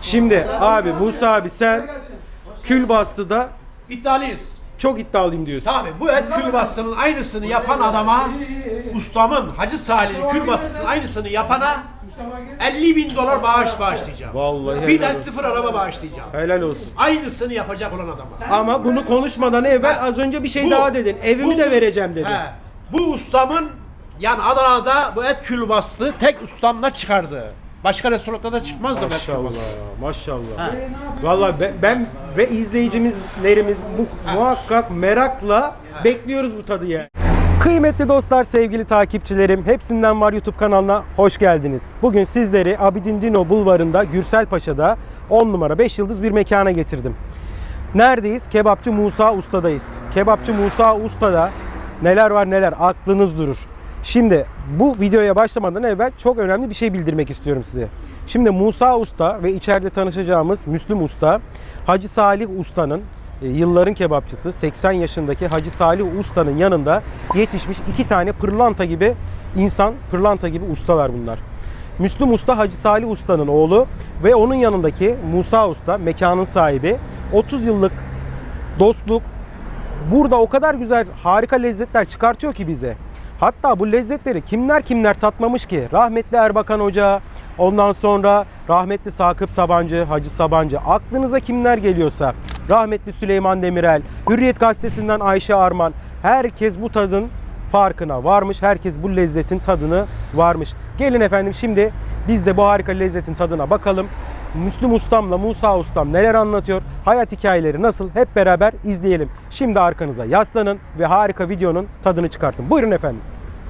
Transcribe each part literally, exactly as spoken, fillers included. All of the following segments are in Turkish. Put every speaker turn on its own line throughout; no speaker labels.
Şimdi abi Musa abi sen Külbastı'da
İddialıyız.
çok iddialıyım diyorsun.
Tabii bu et külbastının aynısını yapan adama, ustamın Hacı Salih'in külbastısının aynısını yapana elli bin dolar bağış bağışlayacağım.
Vallahi
Bir de
helal olsun.
sıfır araba bağışlayacağım.
Helal olsun.
Aynısını yapacak olan adama.
Ama bunu konuşmadan evvel
Ha,
az önce bir şey
bu-
daha dedin. Evimi
bu
de
us-
vereceğim dedin.
He, bu ustamın yani Adana'da bu et külbastı tek ustamla çıkardı. Başka restoranda da çıkmaz da bu et
Maşallah,
külbastı.
maşallah.
Ha.
Vallahi ben, ben ve izleyicilerimiz mu- muhakkak merakla bekliyoruz bu tadı yani. Kıymetli dostlar, sevgili takipçilerim, Hepsinden Var YouTube kanalına hoş geldiniz. Bugün sizleri Abidin Dino Bulvarı'nda Gürselpaşa'da on numara beş yıldız bir mekana getirdim. Neredeyiz? Kebapçı Musa Usta'dayız. Kebapçı Musa Usta'da neler var neler aklınız durur. Şimdi bu videoya başlamadan evvel çok önemli bir şey bildirmek istiyorum size. Şimdi Musa Usta ve içeride tanışacağımız Müslüm Usta, Hacı Salih Usta'nın e, yılların kebapçısı seksen yaşındaki Hacı Salih Usta'nın yanında yetişmiş iki tane pırlanta gibi insan, pırlanta gibi ustalar bunlar. Müslüm Usta Hacı Salih Usta'nın oğlu ve onun yanındaki Musa Usta, mekanın sahibi. otuz yıllık dostluk. Burada o kadar güzel, harika lezzetler çıkartıyor ki bize. Hatta bu lezzetleri kimler kimler tatmamış ki? Rahmetli Erbakan Hoca, ondan sonra rahmetli Sakıp Sabancı, Hacı Sabancı. Aklınıza kimler geliyorsa, rahmetli Süleyman Demirel, Hürriyet Gazetesi'nden Ayşe Arman. Herkes bu tadın farkına varmış. Herkes bu lezzetin tadını varmış. Gelin efendim, şimdi biz de bu harika lezzetin tadına bakalım. Müslüm Ustam'la Musa Ustam neler anlatıyor? Hayat hikayeleri nasıl? Hep beraber izleyelim. Şimdi arkanıza yaslanın ve harika videonun tadını çıkartın. Buyurun efendim.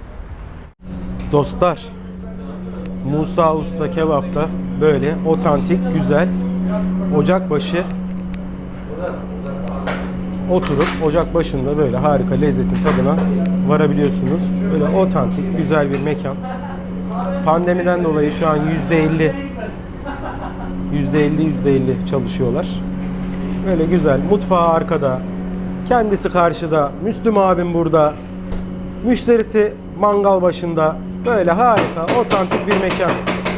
Dostlar, Musa Usta Kebap'ta böyle otantik, güzel ocakbaşı oturup ocak başında böyle harika lezzetin tadına varabiliyorsunuz. Böyle otantik, güzel bir mekan. Pandemiden dolayı şu an yüzde elli yüzde elli yüzde elli çalışıyorlar. Böyle güzel. Mutfağı arkada. Kendisi karşıda. Müslüm abim burada. Müşterisi mangal başında. Böyle harika, otantik bir mekan.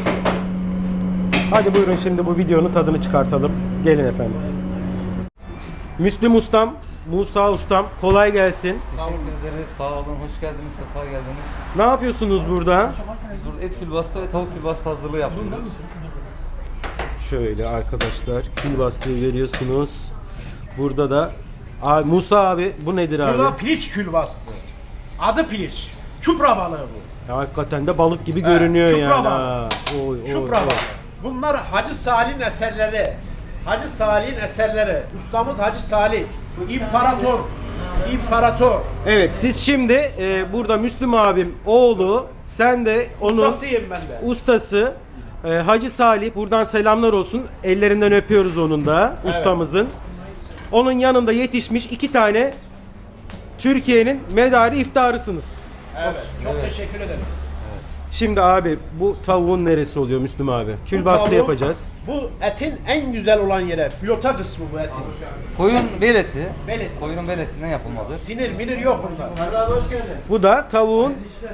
Hadi buyurun şimdi bu videonun tadını çıkartalım. Gelin efendim. Müslüm Ustam, Musa Ustam, kolay gelsin.
Teşekkür ederiz. Sağ olun. Hoş geldiniz. Sefa geldiniz.
Ne yapıyorsunuz burada?
Biz burada et külbastı ve tavuk külbastı hazırlığı yapıyoruz.
Şöyle arkadaşlar, külbastığı veriyorsunuz. Burada da abi, Musa abi, bu nedir abi?
Bu da piliç külbastı. Adı piliç. Çupra balığı bu.
Ya hakikaten de balık gibi görünüyor
şupra
yani.
balığı.
Ha. Oy, oy,
Çupra
oy.
balığı. Bunlar Hacı Salih'in eserleri. Hacı Salih'in eserleri. Ustamız Hacı Salih. İmparator. İmparator.
Evet, siz şimdi e, burada Müslüm abim oğlu, sen de onun
Ustasıyım ben de.
ustası e, Hacı Salih. Buradan selamlar olsun. Ellerinden öpüyoruz onun da,
Evet.
ustamızın. Onun yanında yetişmiş iki tane Türkiye'nin medarı iftarısınız.
Evet. Çok
Evet.
teşekkür ederiz.
Şimdi abi bu tavuğun neresi oluyor Müslüm abi? Külbastı
tavuğun-
yapacağız.
Bu etin en güzel olan yere. Pilota kısmı bu etin.
Koyun bel eti.
Bel eti.
Koyunun bel etinden yapılmadı.
Sinir minir yok bunda.
Bu da tavuğun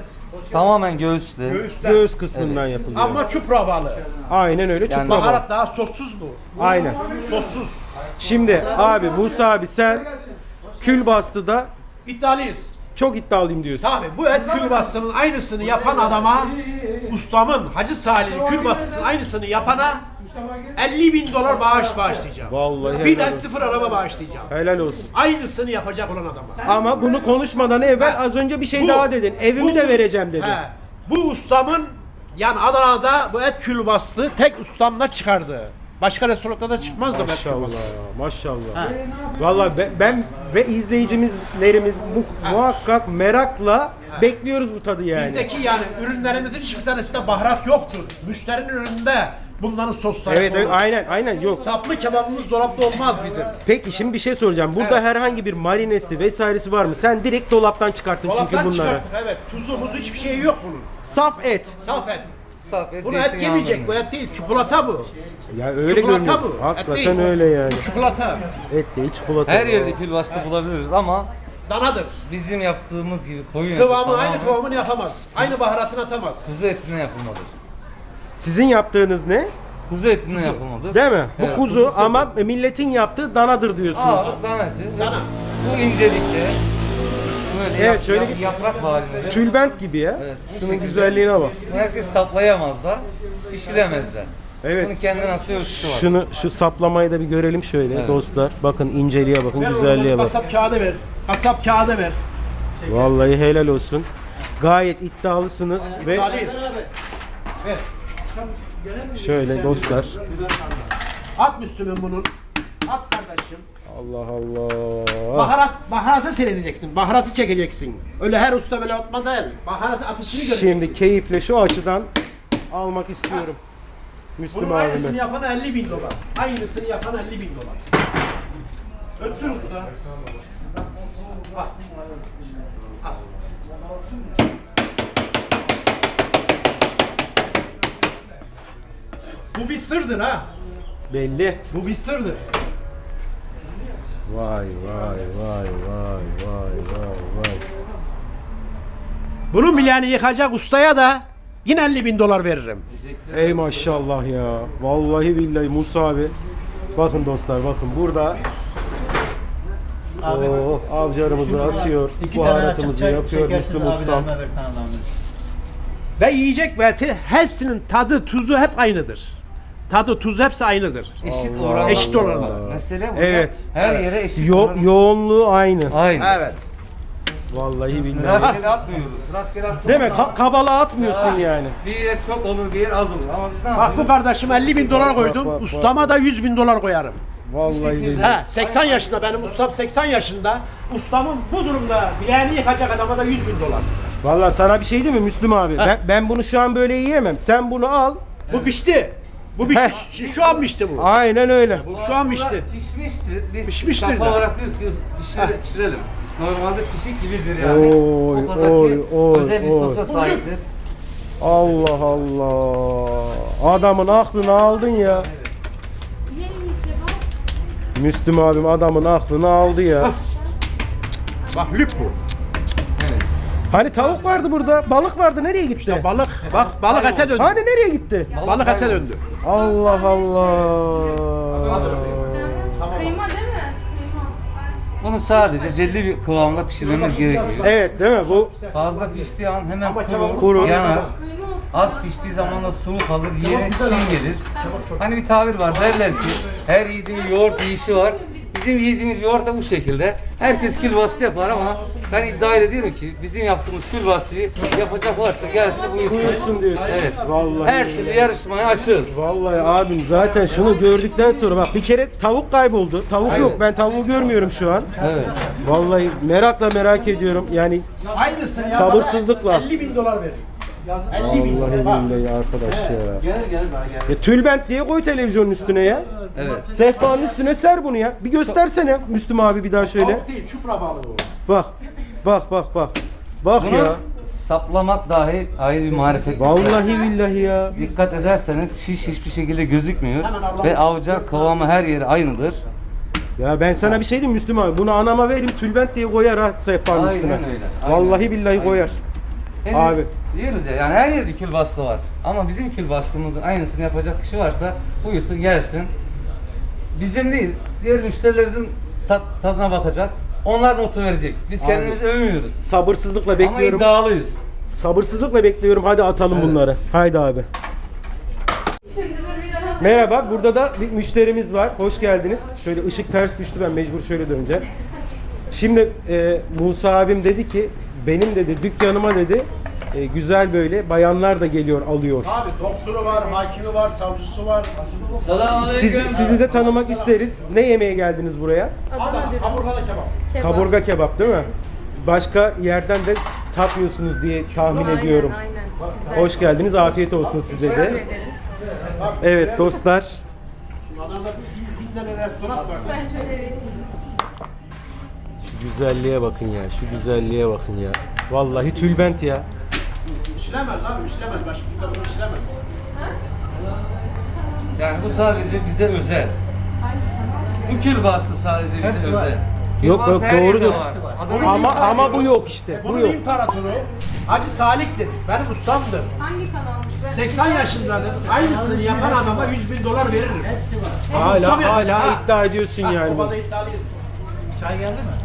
Tamamen göğüslü.
Göğüsler.
göğüs kısmından yapılıyor.
Ama çupra balığı.
Aynen öyle.
Yani
çupra balığı.
Baharat daha sossuz bu.
Aynen.
Sossuz.
Şimdi abi Musa abi sen Külbastı'da
İddialıyız.
çok iddialıyım diyorsun.
Tabii bu et külbastının aynısını yapan adama, ustamın Hacı Salih'in külbastısının aynısını yapana elli bin dolar bağış bağışlayacağım.
Vallahi
Bir de
helal olsun.
sıfır araba bağışlayacağım.
Helal olsun.
Aynısını yapacak olan adama.
Ama bunu konuşmadan evvel
Ha,
az önce bir şey
bu-
daha dedin. Evimi
bu
de
us-
vereceğim dedin.
He, bu ustamın yani Adana'da bu et külbastı tek ustamla çıkardı. Başka restoranda da çıkmaz da bu et
Maşallah,
külbastı.
maşallah.
Ha.
Vallahi ben, ben ve izleyicilerimiz mu- muhakkak merakla bekliyoruz bu tadı yani.
Bizdeki yani ürünlerimizin hiçbir tanesinde baharat yoktur. Müşterinin ürününde bunların sosları
Evet, evet
olur.
aynen aynen yok.
Saplı kebabımız dolapta olmaz bizim.
Peki şimdi bir şey soracağım. Burada
Evet.
herhangi bir marinesi vesairesi var mı? Sen direkt dolaptan çıkarttın çünkü
Dolaptan
bunları.
çıkarttık evet. Tuzumuz hiçbir şey yok bunun.
Saf et.
Saf et.
Saf et,
Bunu et
zeytinyağlı
yemeyecek. Bu
ürün.
et değil. Çikolata bu.
Ya öyle
Çikolata
görünüyor.
bu. Et
Hakikaten
değil.
öyle yani.
Bu çikolata.
Et değil, çikolata.
Her yerde külbastı bulabiliriz ama
Danadır.
bizim yaptığımız gibi koyun eti
Kıvamı
tamamen
aynı kıvamını yapamaz. Aynı baharatını atamaz.
kuzu etinden yapılmadır.
Sizin yaptığınız ne?
Kuzu etinden yapılmadır.
Değil mi?
Evet,
Bu kuzu
kuzu
ama milletin yaptığı danadır diyorsunuz.
Aa, dana eti.
Dana.
Bu incelikte. Böyle
Evet,
yap-
şöyle
yap-
bir-
yaprak halinde.
Tülbent gibi ya.
Evet, bu
Şunun
şekilde.
güzelliğine bak.
Herkes saplayamazlar, pişiremezler.
Evet.
Bunun kendine nasıl ölçüsü var.
Şunu şu saplamayı da bir görelim şöyle
Evet.
dostlar. Bakın inceliğe bakın,
Ver
güzelliğe
oğlum,
bak.
kasap kağıdı ver. Kasap kağıdı ver.
Vallahi helal olsun. Gayet iddialısınız ve
Talih. Ver.
şöyle dostlar.
At Müslüm'ün bunun. At kardeşim.
Allah Allah.
Baharat, baharatı seyredeceksin. Baharatı çekeceksin. Öyle her usta böyle atma değil. Baharat atışını göreceksin.
Şimdi keyifle şu açıdan almak istiyorum. Müslüm
Bunun aynısını
abime.
yapan elli bin dolar. Aynısını yapan elli bin dolar. Öttür usta. Bak. Al. Bu bir sırdır ha.
Belli.
Bu bir sırdır.
Vay vay vay vay vay vay vay.
Bunun milyani yıkacak ustaya da yine elli bin dolar veririm.
Ey maşallah ya. Vallahi billahi Musa abi. Bakın dostlar bakın burada.
Abi,
Oo, avcarımızı atıyor.
İki tane açık
Baharatımızı
çay
yapıyor
şekersiz
Müslüm ustam.
abilerime versene zahmet.
Ve yiyecek ve eti hepsinin tadı tuzu hep aynıdır. Tadı tuzu hepsi aynıdır.
Eşit
Allah
oranda.
Eşit oranda.
Bak, Mesele burada.
Evet.
Her yere eşit
Yo-
oranda.
yoğunluğu aynı.
Aynı.
Evet.
Vallahi billahi.
Rastgele atmıyoruz. Rastgele atmıyoruz.
Değil mi? Ka- kabala atmıyorsun yani.
Bir yer çok olur, bir yer az olur. Ama biz ne
Bak
yapıyoruz?
bu kardeşim elli bin dolar
bak,
koydum.
bak,
Ustama da yüz bin dolar koyarım.
Vallahi
şekilde-
billahi.
He, seksen yaşında benim ustam seksen yaşında. Ustamın bu durumda bileğini yıkacak adama da yüz bin dolar.
Vallahi sana bir şey değil mi Müslüm abi? Ben, ben bunu şu an böyle yiyemem. Sen bunu al.
Bu pişti. Bu pişti. Şu- Şu an pişti bu.
Aynen öyle.
Bu şu an pişti.
Pişmiştir. Biz
Pişmiştir
sapa
de.
olarak diyoruz ki pişirelim. pişirelim. Normalde pişik gibidir yani.
Oy,
o kadar
oy,
ki
oy,
özel bir
oy.
sosa sahiptir.
Allah Allah. Adamın aklını aldın ya. Müslüm abim adamın aklını aldı ya.
Bak lüp bu.
Evet.
Hani tavuk vardı burada, balık vardı. Nereye gitti?
İşte balık. Bak balık ete döndü.
Hani nereye gitti?
Balık ete döndü.
Allah Allah.
Kıyma değil mi? Kıyma.
Bunu sadece belli bir kıvamda pişirmemiz gerekiyor.
Evet değil mi? Bu
Fazla piştiği an hemen
Ama
kurur,
kebabı-
Kuru.
yanar.
Kıyma olsun.
Az piştiği zaman da sulu kalır, yere çiğ gelir. Hani bir tabir var derler ki her yiğidin yoğurt yiyişi var. Bizim yediğimiz yoğurt da bu şekilde. Herkes külbastı yapar ama ben iddia ediyorum ki bizim yaptığımız külbastıyı yapacak varsa gelsin buyursun.
Buyursun diyorsun.
Evet.
Vallahi.
Her türlü yarışmaya açığız.
Vallahi abim zaten şunu gördükten sonra bak bir kere tavuk kayboldu. Tavuk
Evet.
yok. Ben tavuğu görmüyorum şu an.
Evet.
Vallahi merakla merak ediyorum. Yani
Aynısını ya.
Sabırsızlıkla.
elli bin dolar veririz. elli bin
vallahi
dolar. Bak.
billahi arkadaş ya.
Gel gel daha gel.
Ya tülbent diye koy televizyonun üstüne ya.
Evet.
Sehpanın üstüne ser bunu ya. Bir göstersene Müslüm abi bir daha şöyle.
Tavuk değil, şupra balığı bu.
Bak. Bak bak bak. Bak
Bunu
ya.
saplamak dahi ayrı bir marifet.
Vallahi billahi ya.
Dikkat ederseniz şiş hiçbir şekilde gözükmüyor ve avca kıvamı her yeri aynıdır.
Ya ben sana bir şey diyeyim Müslüm abi. Bunu anama vereyim tülbent diye koyar ha sehpanın
Aynen
üstüne.
öyle, aynen.
Vallahi billahi
Aynen.
koyar.
Hem
Abi.
Diyoruz ya yani her yerde külbastı var. Ama bizim külbastımızın aynısını yapacak kişi varsa buyursun gelsin. Bizim değil, diğer müşterilerimizin tat, tadına bakacak. Onlar notu verecek. Biz
Abi.
kendimizi övmüyoruz.
Sabırsızlıkla
Ama
bekliyorum.
iddialıyız.
Sabırsızlıkla bekliyorum. Hadi atalım bunları. Haydi abi.
Şimdi dur bir daha.
Merhaba. Burada da bir müşterimiz var. Hoş geldiniz. Şöyle ışık ters düştü. Ben mecbur şöyle döneceğim. Şimdi e, Musa abim dedi ki benim dedi dükkanıma dedi e, güzel böyle bayanlar da geliyor alıyor.
Abi doktoru var, hakimi var, savcısı var.
Sizi, sizi de tanımak isteriz. Ne yemeye geldiniz buraya?
Adana
Adam,
dürüm.
kaburgalı kebap.
Kebap.
Kaburga kebap değil mi? Başka yerden de tatmıyorsunuz diye tahmin
Aynen,
ediyorum.
Aynen. Güzel.
Hoş geldiniz. Afiyet olsun size
Teşekkür
de.
ederim.
Evet dostlar.
Adana'da bir, bir tane restoran var.
Ben şöyle vereyim.
Şu güzelliğe bakın ya. Şu güzelliğe bakın ya. Vallahi tülbent ya.
İşlemez abi, işlemez. Başka usta bunu işlemez.
Yani bu sadece bize özel. Bu külbastı sadece bize
Hepsi var.
özel.
Yok,
Külbastı
yok,
her yerde
doğrudur.
var. Adana
Ama ama bu yok işte. Bu
Bunun
yok.
imparatoru Hacı Salih'tir. Benim ustamdır.
Hangi kanalmış? Ben
seksen yaşındadır. Aynısını yapan adama yüz bin dolar veririm.
Hepsi var.
Hala
Ustam ya.
hala
Ha.
iddia ediyorsun
Ha,
yani.
o kadar iddialıyım.
Çay geldi mi?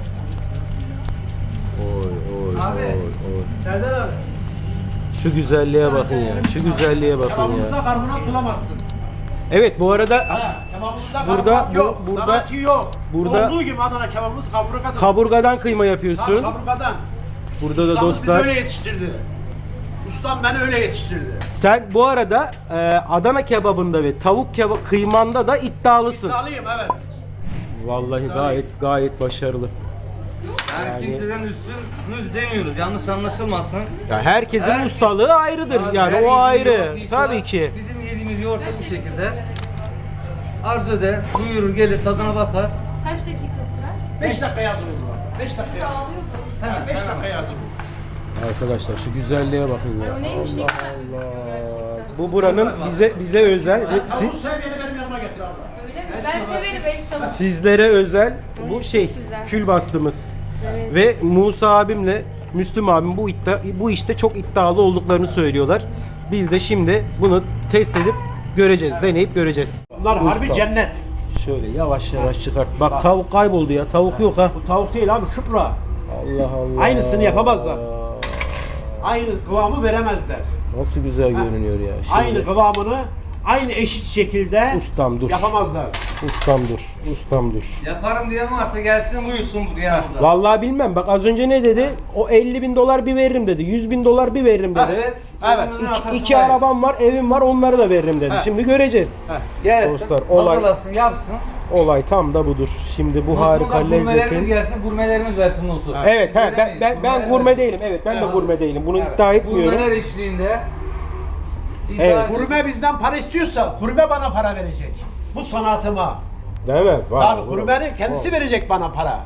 Oy oy
Abi.
oy oy.
Serdar abi.
Şu güzelliğe bakın ya. Şu güzelliğe bakın
Kebabımızda
ya.
karbonat bulamazsın.
Evet bu arada
Ha, kebabımızda
Burada-
karbonat yok.
bu- burada-
Karbonatı yok.
burada-
Olduğu gibi Adana kebabımız kaburgadır.
kaburgadan kıyma
Tabii,
yapıyorsun.
kaburgadan.
Burada da
Ustamız bizi
dostlar.
öyle yetiştirdi. Ustam beni öyle yetiştirdi.
Sen bu arada e, Adana kebabında ve tavuk kebap kıymanda da iddialısın.
İddialıyım evet.
Vallahi gayet gayet başarılı.
Yani, kimseden üstünüz demiyoruz. Yanlış anlaşılmasın.
Ya herkesin
Her-
ustalığı ayrıdır.
Abi,
Yani
her
o
yediğimiz
ayrı.
yoğurt işi
Tabii
var.
ki.
Bizim yediğimiz yoğurt da bu şekilde. Arzu eder, buyurur gelir tadına bakar.
kaç dakika sürer?
beş dakika yazılır var. beş dakika yazılır.
Dağılıyor mu?
Hemen,
beş
hemen.
dakika yazılır.
Arkadaşlar şu güzelliğe bakın
Ay
ya.
o neymiş ne güzel gözüküyor gerçekten.
Bu buranın bize bize özel ve
Tavuk
si-
sevmeyeni benim yanıma getir abla.
Öyle mi? Ben severim el tavuk.
sizlere özel bu şey
güzel.
kül bastığımız ve Musa abimle Müslüm abim bu iddia, bu işte çok iddialı olduklarını söylüyorlar. Biz de şimdi bunu test edip göreceğiz, deneyip göreceğiz.
Bunlar harbi
Usta.
cennet.
Şöyle yavaş yavaş çıkart. Bak tavuk kayboldu ya. Tavuk yok ha.
Bu tavuk değil abi şupra.
Allah Allah.
Aynısını yapamazlar. Aynı kıvamı veremezler.
Nasıl güzel görünüyor ya. Şimdi,
Aynı kıvamını aynı eşit şekilde
Ustam dur.
yapamazlar.
Ustam dur. Ustam dur.
Yaparım diyen varsa gelsin buyursun buraya yanımıza.
Vallahi bilmem. Bak az önce ne dedi? O elli bin dolar bir veririm dedi. yüz bin dolar bir veririm dedi.
Evet.
Evet.
sözümüzün
İki,
arkasındayız.
iki arabam var, evim var, onları da veririm dedi.
He.
Şimdi göreceğiz.
Gelsin,
Dostlar, olay-
hazırlasın, yapsın.
Olay tam da budur. Şimdi bu harika
Notunda Gurmelerimiz
lezzetin.
gelsin, gurmelerimiz versin notu.
Evet,
Biz
he, ben
veremeyiz,
ben, ben
gurmeler
gurme
versin.
değilim. Evet, ben de
Evet.
gurme değilim. Bunu
Evet.
iddia etmiyorum.
Gurmeler eşliğinde iddia
Evet.
edin.
Kurme bizden para istiyorsa kurme bana para verecek. Bu sanatıma.
Değil mi? Vay,
Tabii
vay,
kurmenin kendisi
vay.
verecek bana para.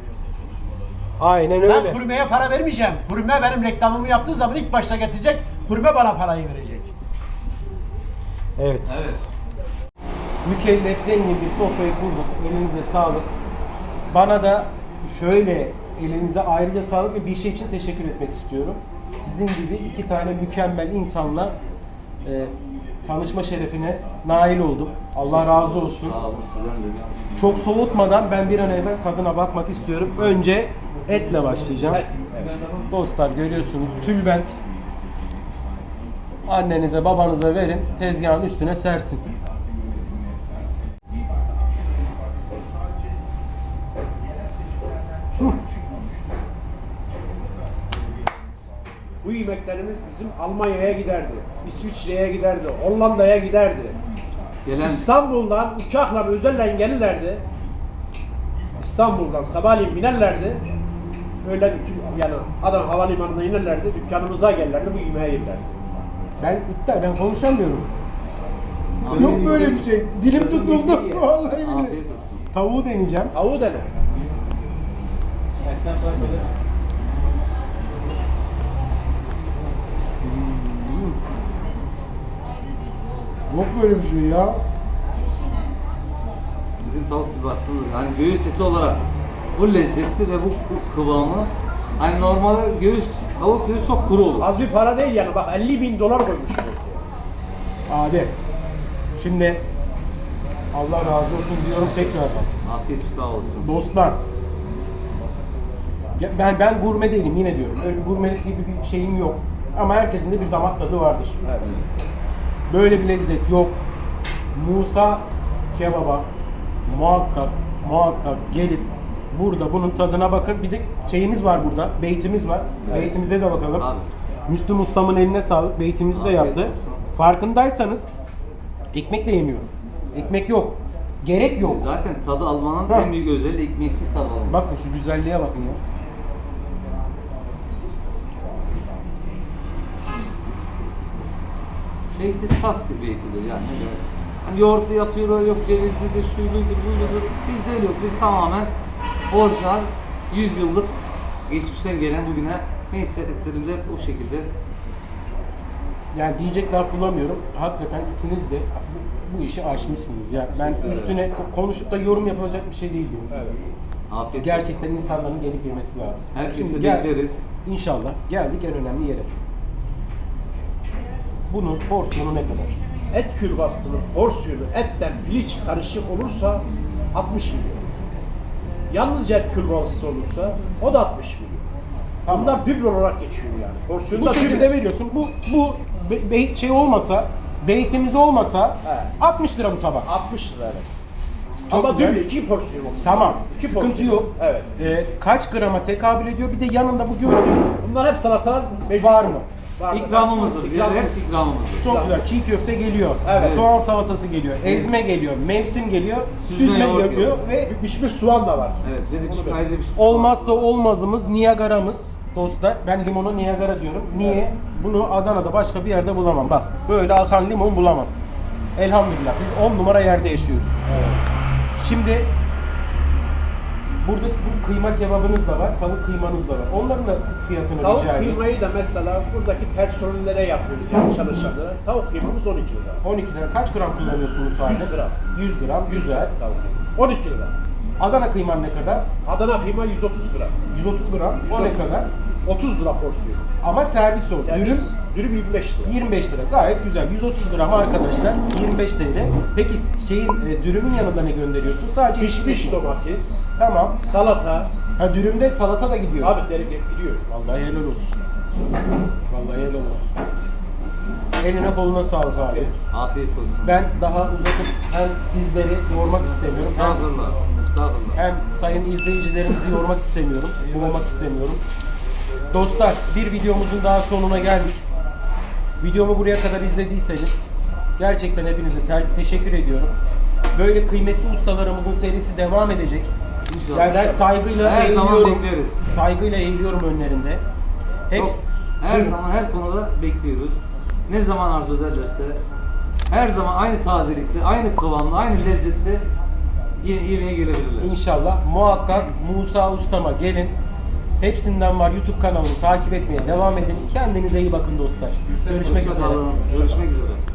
Aynen
Ben
öyle.
kurmeye para vermeyeceğim. Kurme benim reklamımı yaptığı zaman ilk başta getirecek. Kurme bana parayı verecek.
Evet.
Evet.
Mükellef zengin bir sofrayı kurduk. Elinize sağlık. Bana da şöyle elinize ayrıca sağlık ve bir şey için teşekkür etmek istiyorum. Sizin gibi iki tane mükemmel insanla e, tanışma şerefine nail oldum. Allah razı olsun.
Sağ olun sizden de biz.
Çok soğutmadan ben bir an evvel tadına bakmak istiyorum. Önce etle başlayacağım.
Evet.
Dostlar görüyorsunuz tülbent. Annenize babanıza verin, tezgahın üstüne sersin.
Bu yemeklerimiz bizim Almanya'ya giderdi. İsviçre'ye giderdi. Hollanda'ya giderdi.
Gelen
İstanbul'dan uçakla özelle gelirlerdi. İstanbul'dan sabahleyin binerlerdi. Öyle bütün yani Adana Havalimanı'na inerlerdi. Dükkanımıza gelirlerdi. Bu yemeği yerlerdi.
Ben iptal, ben konuşamıyorum. Yok böyle bir şey. Dilim tutuldu. Vallahi billahi.
afiyet olsun.
Tavuğu deneyeceğim.
Tavuğu dene.
Etten böyle.
Yok böyle bir şey ya.
Bizim tavuk gibi aslında yani göğüs eti olarak bu lezzeti ve bu bu kıvamı hani normalde göğüs, tavuk göğüs çok kuru olur.
Az bir para değil yani. Bak elli bin dolar koymuş.
Abi, şimdi Allah razı olsun diyorum tekrardan.
Afiyet şifa olsun.
Dostlar, ya ben ben gurme değilim yine diyorum. Öyle bir gurmelik gibi bir şeyim yok. Ama herkesin de bir damak tadı vardır.
Evet.
Böyle bir lezzet yok. Musa kebaba muhakkak muhakkak gelip burada bunun tadına bakın. Bir de şeyimiz var burada. Beytimiz var.
Evet.
Beytimize de bakalım.
Abi.
Müslüm ustamın eline sağlık. Beytimizi de
Afiyet
yaptı.
olsun.
Farkındaysanız ekmek de yemiyorum. Ekmek yok. Gerek yok.
Zaten tadı almanın
Ha.
en büyük özelliği ekmeksiz tadı almak.
Bakın şu güzelliğe bakın ya.
Şeyde saf beyti yani. Ne demek? Hani yoğurtlu yapıyorlar, yok cevizlidir, şuyludur, buyludur. Bizde öyle yok. Biz tamamen orijinal, yüz yıllık geçmişten gelen bugüne neyse etlerimiz hep o şekilde.
Yani diyecek laf bulamıyorum. Hakikaten ikiniz de bu, bu işi aşmışsınız ya. Ben
Teşekkür ederim.
üstüne ko- konuşup da yorum yapılacak bir şey değil bu.
Evet.
Afiyet olsun.
Gerçekten insanların gelip yemesi lazım.
Herkesi
Şimdi gel-
bekleriz.
İnşallah geldik en önemli yere. Bunun porsiyonu ne kadar?
Et külbastının porsiyonu etten piliç karışık olursa altmış milyon. Yalnızca et külbastısı olursa o da altmış milyon.
Tamam.
Bunlar düble olarak geçiyor yani. Porsiyonu
Bu
da
şekilde
düble.
veriyorsun. Bu bu be- be- şey olmasa, beytimiz olmasa
He.
altmış lira bu tabak.
altmış lira evet.
Çok
Ama
güzel.
düble iki porsiyon olmuş.
Tamam.
İki
Sıkıntı
porsiyon.
yok.
Evet.
Ee, kaç grama tekabül ediyor? Bir de yanında bu gördüğünüz
Bunlar hep salatalar mevcut.
var mı?
Var.
İkramımızdır. Diğer
İkramımız.
hepsi ikramımızdır.
Çok güzel. Çiğ köfte geliyor.
Evet.
Soğan salatası geliyor. Ezme geliyor. Mevsim geliyor.
Süzme
Süzme
yoğurt
geliyor
geliyor.
ve
Pişmiş soğan da var.
Evet, dedi bir şey, ayrıca bir şey.
olmazsa olmazımız Niagara'mız dostlar. Ben limonu Niagara diyorum. Niye? Bunu Adana'da başka bir yerde bulamam. Bak böyle akan limon bulamam. Elhamdülillah biz on numara yerde yaşıyoruz. Şimdi burada sizin kıyma kebabınız da var, tavuk kıymanız da var. Onların da fiyatını
Tavuk
rica edeyim.
kıymayı da mesela buradaki personellere yapıyoruz yani çalışanlara. Tavuk kıymamız on iki lira.
on iki lira. Kaç gram kullanıyorsunuz sadece?
yüz gram.
yüz gram. Güzel.
Tavuk. on iki lira.
Adana kıyman ne kadar?
Adana kıyma yüz otuz gram.
yüz otuz gram. O ne
yüz otuz.
kadar?
otuz lira porsiyon.
Ama servis o.
Servis,
Dürüm
dürüm yirmi beş lira.
yirmi beş lira. Gayet güzel. yüz otuz gram arkadaşlar. yirmi beş T L. Peki şeyin e, dürümün yanında ne gönderiyorsun? Sadece
Pişmiş
mi?
domates,
Tamam.
salata.
Ha dürümde salata da gidiyor.
Abi derim gidiyor.
Vallahi helal olsun. Vallahi helal olsun. Eline koluna sağlık abi.
Afiyet olsun.
Ben daha uzatıp hem sizleri yormak istemiyorum. Hem,
Estağfurullah. Estağfurullah.
hem sayın izleyicilerimizi yormak istemiyorum. Boğmak istemiyorum. Dostlar bir videomuzun daha sonuna geldik. Videomu buraya kadar izlediyseniz gerçekten hepinize te- teşekkür ediyorum. Böyle kıymetli ustalarımızın serisi devam edecek.
İnşallah.
Yani ben saygıyla
Her zaman
eğiliyorum.
bekleriz.
Saygıyla eğiliyorum önlerinde. Hepsi,
Çok, her zaman her konuda bekliyoruz. Ne zaman arzu ederlerse her zaman aynı tazelikte, aynı kıvamda, aynı lezzette ye- yemeğe gelebilirler.
İnşallah muhakkak Musa Ustama gelin. Hepsinden var YouTube kanalını takip etmeye devam edin. Kendinize iyi bakın dostlar. Görüşmek
Hoşça
üzere.
kalın. Görüşmek üzere.